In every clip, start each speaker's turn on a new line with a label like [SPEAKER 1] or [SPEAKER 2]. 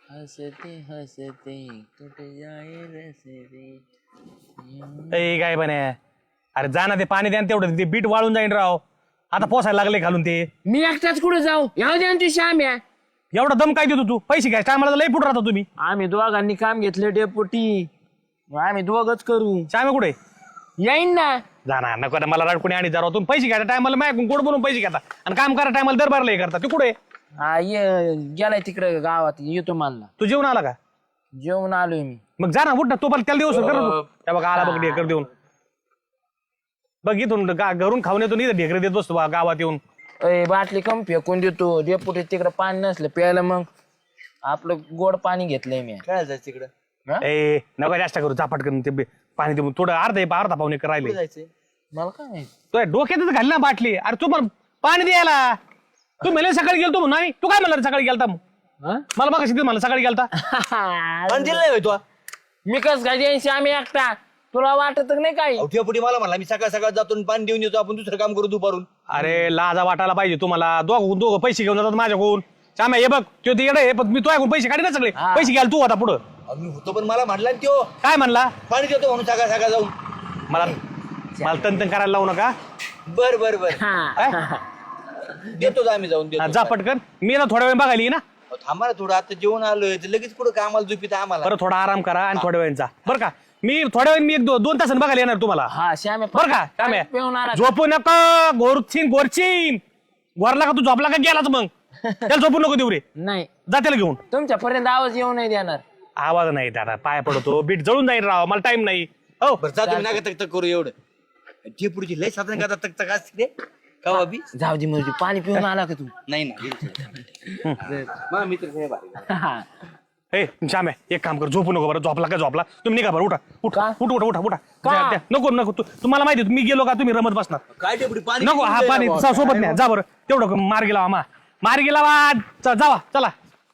[SPEAKER 1] हसते हसते टूट जाए रसते.
[SPEAKER 2] ए काय पण अरे जा ना ते पाणी द्या ना तेवढं ते बीट वाळून जाईन राव. आता पोसायला लागले खालून ते.
[SPEAKER 1] मी एकटाच कुठे जाऊ याव द्या तू श्याम्या.
[SPEAKER 2] एवढा दम काय देतो तू पैसे घ्यायच्या टायमाला लई फुट राहता तुम्ही.
[SPEAKER 1] आम्ही दोघांनी काम घेतलं डेपोटी आम्ही दोघच करू.
[SPEAKER 2] श्यामे कुठे
[SPEAKER 1] येईन ना.
[SPEAKER 2] जाणार नको मला रडकुणी आणि जरा तुम्ही पैसे घ्यायच्या टायमाला माझ्याकडून गोड बोलून पैसे घेता आणि काम करा टायमाला दरबारला हे करता. तू कुठे
[SPEAKER 1] हा ये गेलाय तिकडे गावात येतो मला.
[SPEAKER 2] तू जेवण आला का
[SPEAKER 1] जेवण आलोय मी.
[SPEAKER 2] मग जा ना उठ ना तो पण त्याला दिवस कर त्या बघा आला बघ ढेकर देऊन बघ इथून घरून खाऊन येतो नाही ढेकर देत बसतो गावात येऊन.
[SPEAKER 1] अय बाटली कम फेकून देतो डेपुटी तिकडे पाणी नसलं प्यायला मग आपलं गोड पाणी घेतलंय मी.
[SPEAKER 3] काय जायचं तिकडं?
[SPEAKER 2] ए नका जास्त करू चापट करून ते पाणी देऊन थोडं अर्धा पाहुणे राहिले.
[SPEAKER 3] जायचंय
[SPEAKER 1] मला काय माहिती.
[SPEAKER 2] तो डोक्यातच घाल ना बाटली. अरे तू पण पाणी द्यायला तू मला सकाळी गेलतो म्हणून नाही तू काय म्हणला सकाळी गेलता मग मला बघा शिकत मला सकाळी गेलता.
[SPEAKER 3] पण दिलं नाही तू
[SPEAKER 1] मी कस काय द्यायची आम्ही एकटा तुला वाटत नाही काही.
[SPEAKER 3] पुढे मला म्हणला मी सकाळ सकाळ जातो आणि पाणी देऊन येतो आपण दुसरं काम करू दुपारून.
[SPEAKER 2] अरे लाजा वाटायला पाहिजे तुम्हाला. दोघं पैसे घेऊन जातात माझ्याकडून. चाम्या हे बघ तो येडं आहे पण मी तो ऐकून पैसे काढी ना सगळे पैसे घ्याल तू आता पुढं.
[SPEAKER 3] मी होतो पण मला म्हणला ना त्यो
[SPEAKER 2] काय म्हणला
[SPEAKER 3] पाणी देतो म्हणून सकाळ सकाळ जाऊन.
[SPEAKER 2] मला तन करायला लावू नका.
[SPEAKER 3] बर बर बर
[SPEAKER 1] हा.
[SPEAKER 3] देतो आम्ही जाऊन देतो.
[SPEAKER 2] जा पटकन मी ना थोड्या वेळ बघायला येईन ना.
[SPEAKER 3] थांबा ना थोडं आता जेवण आलोय तर लगेच कुठं कामाला झोपित आम्हाला.
[SPEAKER 2] बरं थोडा आराम करा आणि थोड्या वेळ जा बरं का. मी थोड्या वेळ मी एक दोन तासांनी बघायला येणार तुम्हाला
[SPEAKER 1] हा श्याम
[SPEAKER 2] बरं का. चाम्या
[SPEAKER 1] पिऊन आला.
[SPEAKER 2] झोपू नका गोरचीन गोरला का तू झोपला का गेलाच मग त्याला झोपू नको देऊ रे.
[SPEAKER 1] नाही
[SPEAKER 2] जा त्याला घेऊन.
[SPEAKER 1] तुमच्यापर्यंत आवाज येऊ नाही देणार.
[SPEAKER 2] आवाज नाही दादा पाया पडतो बीट जळून जाईल राव मला टाइम नाही. हो
[SPEAKER 3] बरं जा तुम्ही नका तक करू एवढं. जे पुढची लय साधन करता तक तक असते रे का बाबी.
[SPEAKER 1] जाऊ दे म्हणजे पाणी पिऊन आला का तू.
[SPEAKER 3] नाही ना मग मित्र साहेब आहे.
[SPEAKER 1] हा.
[SPEAKER 2] ए श्याम एक काम कर झोपू नको बरं. झोपला का झोपला तुम्ही निघा बरं उठा उठा
[SPEAKER 1] का?
[SPEAKER 2] उठा उठा उठा
[SPEAKER 1] का?
[SPEAKER 2] द्या, द्या. नको नको तुम्हाला माहिती आहे, मी गेलो का तुम्ही रमत बसणार.
[SPEAKER 3] काय डेपुटी पाणी
[SPEAKER 2] नको हा पाणी सोबत नाही जा बरं तेवढं मार्गी लावा मार्गी लावा जावा चला.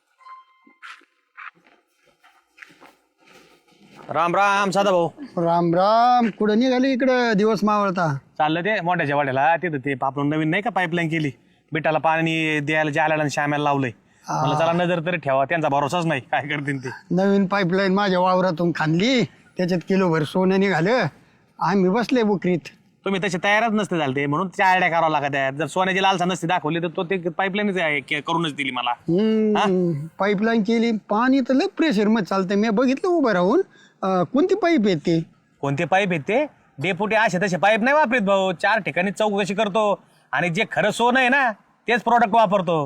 [SPEAKER 2] राम राम साधा भाऊ.
[SPEAKER 4] राम राम कुठं निघाली इकडं दिवस मावळता.
[SPEAKER 2] चाललं ते मोठ्याच्या वाड्याला तिथं ते आपण नवीन नाही का पाईपलाईन केली बिटाला पाणी द्यायला जायला आणि श्याम्याला लावलंय. मला चला नजर तरी ठेवा त्यांचा भरोसाच नाही काय करतील ते.
[SPEAKER 4] नवीन पाईपलाईन माझ्या वावरातून खांदली त्याच्यात किलोभर सोनं निघालं आम्ही बसले बुकरीत.
[SPEAKER 2] तुम्ही तसे तयारच नसते झाले ते म्हणून त्या आयडिया करावं लागत आहे. जर सोन्याची लालसा नसते दाखवली तर तो ते पाईपलाईन करूनच दिली मला.
[SPEAKER 4] पाईपलाईन केली पाणी तर लय प्रेशर मध्ये चालतंय. मी बघितलं उभं राहून कोणती पाईप येते
[SPEAKER 2] कोणते पाईप आहेत ते डेपुटी असे तसे पाईप नाही वापरीत भाऊ. 4 ठिकाणी चौकशी करतो आणि जे खरं सोनं आहे ना तेच प्रोडक्ट वापरतो.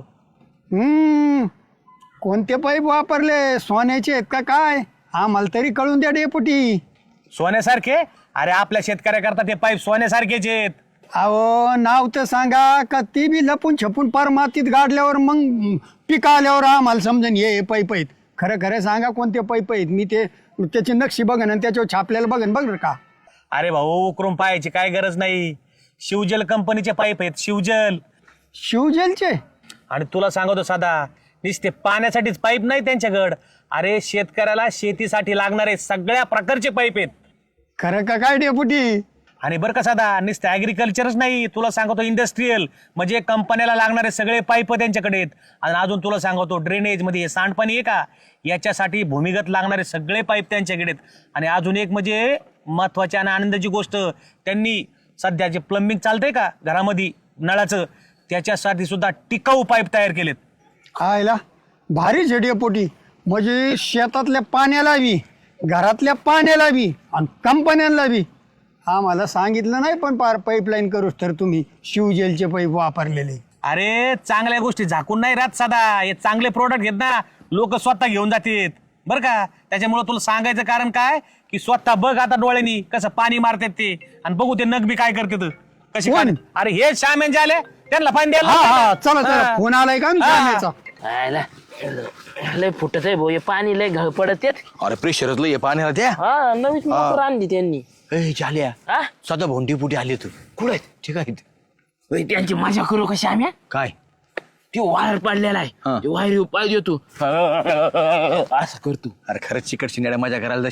[SPEAKER 4] कोणते पाईप वापरले सोन्याचे आहेत का काय आम्हाला तरी कळून द्या डेपुटी.
[SPEAKER 2] सोन्यासारखे अरे आपल्या शेतकऱ्याकरता ते पाईप सोन्यासारखेच आहेत.
[SPEAKER 4] अहो नाव तर सांगा का ती बी लपून छपून पार मातीत गाडल्यावर मग पिका आल्यावर आम्हाला समजून हे पाईप आहेत. खरं खरं सांगा कोणते पाईप आहेत. मी ते त्याची नक्षी बघन आणि त्याच्यावर छापलेलं बघन बघ का.
[SPEAKER 2] अरे भाऊ उकरून पाहायची काय गरज नाही. शिवजल कंपनीचे पाईप आहेत शिवजल.
[SPEAKER 4] शिवजलचे
[SPEAKER 2] आणि तुला सांगतो साधा नुसते पाण्यासाठीच पाईप नाही त्यांच्याकडं. अरे शेतकऱ्याला शेतीसाठी लागणारे सगळ्या प्रकारचे पाईप आहेत.
[SPEAKER 4] खरं का काय डेपुटी.
[SPEAKER 2] आणि बरं का साधा नुसतं ऍग्रिकल्चरच नाही तुला सांगतो इंडस्ट्रीयल म्हणजे कंपन्याला लागणारे सगळे पाईप त्यांच्याकडे आहेत. आणि अजून तुला सांगतो ड्रेनेज मध्ये हे सांडपाणी आहे का याच्यासाठी भूमिगत लागणारे सगळे पाईप त्यांच्याकडे आहेत. आणि अजून एक म्हणजे महत्वाची आणि आनंदाची गोष्ट त्यांनी सध्या जे प्लंबिंग चालतंय का घरामध्ये नळाचं त्याच्यासाठी सुद्धा टिकाऊ पाईप तयार केलेत.
[SPEAKER 4] आयला भारी डेपुटी म्हणजे शेतातल्या पाण्याला बी घरातल्या पाण्याला बी आणि कंपन्यांना बी आम्हाला सांगितलं नाही पण पार पाईपलाईन करूच तर तुम्ही शिवजेलचे पाईप वापरलेले.
[SPEAKER 2] अरे चांगल्या गोष्टी झाकून नाही राहत साधा. हे चांगले प्रोडक्ट घेत ना लोक स्वतः घेऊन जातात बरं का. त्याच्यामुळे तुला सांगायचं कारण काय की स्वतः बघ आता डोळ्यांनी कसं पाणी मारतात ते आणि बघू ते नग बी काय करतात कशी
[SPEAKER 4] कोण?
[SPEAKER 2] अरे हे श्यामेंचे आले त्यांना पाणी द्यायला
[SPEAKER 4] हा हा
[SPEAKER 2] लागतं.
[SPEAKER 4] चला चला फोन आलाय का आमच्या
[SPEAKER 1] आयला. लय फुटत आहे भाऊ हे पाणी लय घळ पडत येत.
[SPEAKER 3] अरे प्रेशरच लय पाण्याला त्या.
[SPEAKER 1] हा नवीच मोटर आणली त्यांनी.
[SPEAKER 3] झाल्या
[SPEAKER 1] हा
[SPEAKER 3] सदा भोंडी पुटी आली तू कुठे आहेत ठीक आहे.
[SPEAKER 1] होय, त्यांची मजा करू का श्याम्या.
[SPEAKER 3] काय
[SPEAKER 1] ती वायर पडलेला आहे ते वायर पाय देतो असं करतो.
[SPEAKER 3] अरे खरंच चिकट शिंगाड्या माझ्या घराला जाशील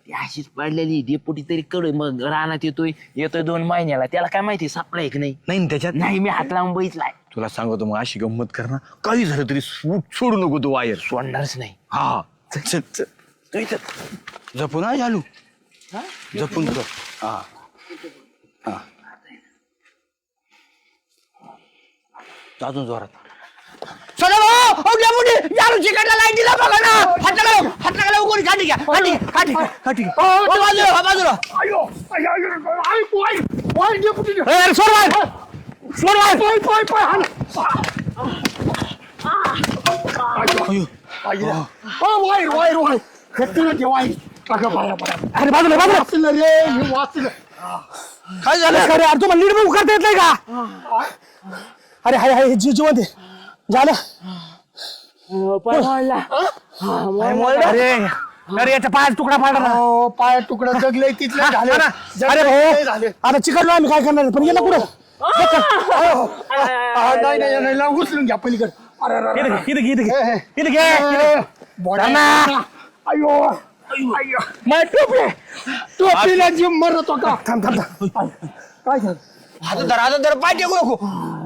[SPEAKER 1] ती अशीच पडलेली डेपुटी तरी कळ मग रानात येतोय 2 महिन्याला, त्याला काय माहिती सापलाय की नाही.
[SPEAKER 3] नाही ना त्याच्यात
[SPEAKER 1] नाही मी हात लावून बघितलाय.
[SPEAKER 3] तुला सांगतो मग अशी गंमत कर ना, काही झालं तरी सोडू नको तू वायर.
[SPEAKER 1] सोडणारच नाही.
[SPEAKER 3] हा चल चल तू इथं जपून आहे चालू, जपून कर. हा हा अजून जोरात. चला भाऊ, यारू चिकटला लाईट दिला बघा ना. हात लागा कोणी काठी घ्या, काठी बाजूला.
[SPEAKER 2] अरे बाजूला बाजूला
[SPEAKER 3] काय झालं?
[SPEAKER 2] अरे अरे तुम्हाला नीट बघू करता येत नाही का? अरे हाय हाय जिवंत आहे. झालं अरे अरे याच्या पायात तुकडा पाडला ना.
[SPEAKER 4] पाय तुकडा जगले तिथले झाले.
[SPEAKER 2] अरे भाऊ आता चिकटलो आम्ही, काय करणार पण गेला कुठं?
[SPEAKER 4] नाही उचलून घ्या पलीकडे.
[SPEAKER 2] इथं घे.
[SPEAKER 4] अयो माय टोपीला जीव मरत होता.
[SPEAKER 2] थांब
[SPEAKER 4] काय झालं?
[SPEAKER 3] हातात धर पाय टेकू नको.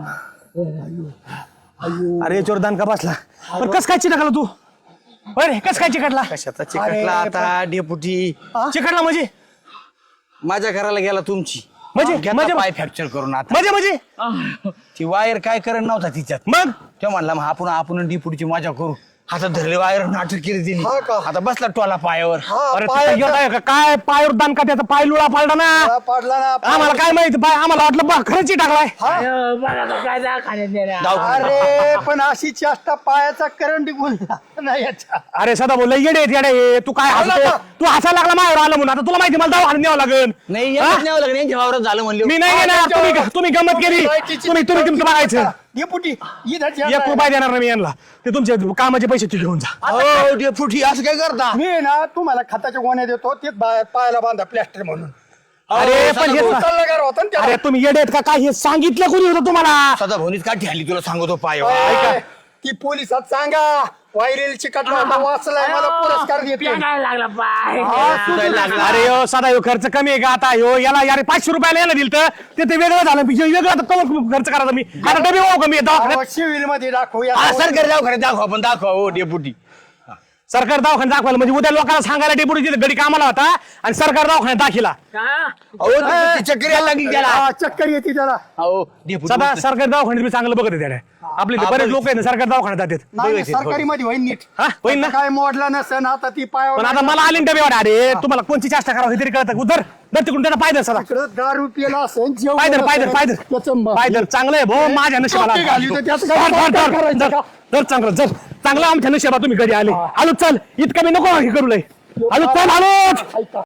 [SPEAKER 2] अरे चोर दान का बसला. पण कस काय चिकटला तू? अरे कस काय चिकटला?
[SPEAKER 3] कशाचा चिकटला आता डेपुटी?
[SPEAKER 2] चिकटला म्हणजे
[SPEAKER 3] माझ्या घराला गेला तुमची,
[SPEAKER 2] म्हणजे
[SPEAKER 3] पाय फ्रॅक्चर करून. आता
[SPEAKER 2] म्हणजे
[SPEAKER 3] ती वायर काय करत नव्हता तिच्यात.
[SPEAKER 2] मग
[SPEAKER 3] तो म्हणला मग आपण डेपुटीची मजा करू. हातात धरले वायर, नाटक केली तिने.
[SPEAKER 4] हा का?
[SPEAKER 3] आता बसला टोला पायावर.
[SPEAKER 2] अरे काय पायावर दान का त्याचा पाय लुळा पाडला ना.
[SPEAKER 4] पाडला ना.
[SPEAKER 2] आम्हाला काय माहिती पाय, आम्हाला वाटलं बा खरंच टाकलाय.
[SPEAKER 1] काय दाखवण्यात नेल्या.
[SPEAKER 4] अरे पण अशी चेष्टा पायाचा करंट बोलला नाही याच्या.
[SPEAKER 2] अरे सदा बोल येडे तू काय हसतो? तू हसायला लागला माझ्यावर आलं म्हणून. आता तुला माहिती मला दवाखान्यात न्यावं लागेल.
[SPEAKER 3] नाही याच्यात न्यावं लागलं, यांच्या वावरात झालं म्हणले.
[SPEAKER 2] मी नाही येणार. तुम्ही गमत केली. तुम्ही तुमचं बघायचं.
[SPEAKER 4] डेपुटी
[SPEAKER 2] एक रुपया देणार नाही मी यांना. ते तुमचे कामाचे पैसे तू घेऊन जा.
[SPEAKER 3] हो डेपुटी असं काय करता?
[SPEAKER 4] मी ना तुम्हाला खताच्या गोण्या देतो, ते पायाला बांधा प्लॅस्टर म्हणून.
[SPEAKER 2] अरे पण हे
[SPEAKER 4] सल्लागार होता ना
[SPEAKER 2] अरे तुम्ही येडे आहेत का काय? हे सांगितलं कोणी होतं तुम्हाला?
[SPEAKER 3] सदा भोनीच काठी आली तुला सांगतो पाय.
[SPEAKER 4] त्याला. ती पोलिसात सांगा वायरेल चिकटला होता, वाचलाय, मला पुरस्कार देतो.
[SPEAKER 1] पेटायला लागला पाय.
[SPEAKER 2] अरे यो साधा ह्यो खर्च कमी आहे का आता? ह्यो याला यार 500 रुपयाला यायला दिलं तर ते वेगळं झालं. वेगळं आता कवर खर्च करायचा मी. आता डबे हो कमी येतो.
[SPEAKER 4] सिव्हिल मध्ये दाखवू या.
[SPEAKER 3] सरकारी दवाखान्यात दाखवा, आपण दाखवा हो डेपुटी.
[SPEAKER 2] सरकार दवाखान्यात दाखवायला म्हणजे उद्या लोकांना सांगायला डेपुटी तिथे गडी कामाला होता आणि सरकार दवाखान्यात दाखिला.
[SPEAKER 3] अहो ती चक्कर यायला लागली त्याला.
[SPEAKER 4] हा, चक्कर येते त्याला.
[SPEAKER 3] अहो डेपुटी
[SPEAKER 2] सदा सरकारी दवाखान्यात मी चांगलं बघत त्याने. आपले इथे बरेच लोक आहेत ना सरकारी दवाखान्यात जातात.
[SPEAKER 4] नाही सरकारी मध्ये होईल नीट.
[SPEAKER 2] हा होईल ना.
[SPEAKER 4] काय मोडला नसेल आता ती पायावर.
[SPEAKER 2] पण आता मला आली ना डबे. अरे तुम्हाला कोणची चेष्टा करावं हे तरी कळतं. उधर दर तिकडून त्याचा पायदर सदा
[SPEAKER 4] दारू पिला असेल जेवण
[SPEAKER 2] पायदर
[SPEAKER 4] नसेल, त्याचं
[SPEAKER 2] पायदर चांगलं आहे भाऊ. माझ्या नशिबाला
[SPEAKER 4] टोपी घाली तर त्याचं काय करायचं का?
[SPEAKER 2] दर चांगलं आमच्या नशिबा तुम्ही कधी आले. आलो चल, इतकं मी नको हे करू लय. आलो चल आलो.